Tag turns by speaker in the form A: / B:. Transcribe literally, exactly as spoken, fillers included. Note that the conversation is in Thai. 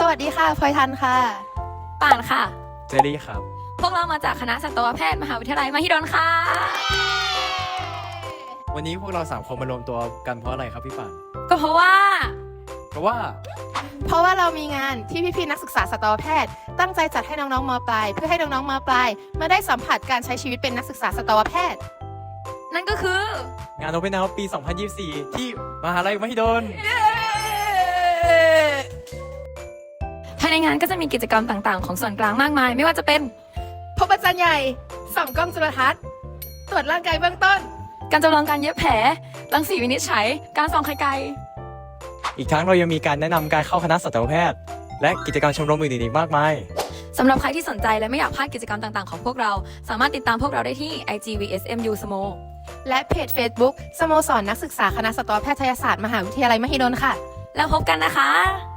A: วัสดีค่ะพลอยทันค่ะ
B: ป่านค่ะ
C: เจรี่ครับ
B: พวกเรามาจากคณะสัตวแพทย์มหาวิทยาลัยมหิดลค่ะ
C: วันนี้พวกเราสามคนมารวมตัวกันเพราะอะไรครับพี่ป่าน
B: ก็เพราะว่า
C: เพราะว่า
A: เพราะว่าเรามีงานที่พี่ๆนักศึกษาสัตวแพทย์ตั้งใจจัดให้น้องๆม.ปลายเพื่อให้น้องๆม.ปลายมาได้สัมผัสการใช้ชีวิตเป็นนักศึกษาสัตวแพทย์
B: นั่นก็คือง
C: านโอเปนเฮาส์ปี สองพันยี่สิบสี่ ที่มหาลัยมหิดล
B: ภายในงานก็จะมีกิจกรรมต่างๆของส่วนกลางมากมายไม่ว่าจะเป็น
A: พบอาจารย์ใหญ่ส่องกล้องจุลทรรศน์ตรวจร่างกายเบื้องต้น
B: การจำลองการเย็บแผลรังสีวินิจฉัยการส่องไข่ไก่
C: อีกทั้งเรายังมีการแนะนำการเข้าคณะสัตวแพทย์และกิจกรรมชมรมอื่นๆอีกมากมาย
B: สำหรับใครที่สนใจและไม่อยากพลาดกิจกรรมต่างๆของพวกเราสามารถติดตามพวกเราได้ที่ ไอ จี วี เอส เอ็ม ยู สโม
A: และเพจ Facebook สโมสรนักศึกษาคณะสัตวแพทยศาสตร์มหาวิทยาลัยมหิดลค่ะ
B: แล้วพบกันนะคะ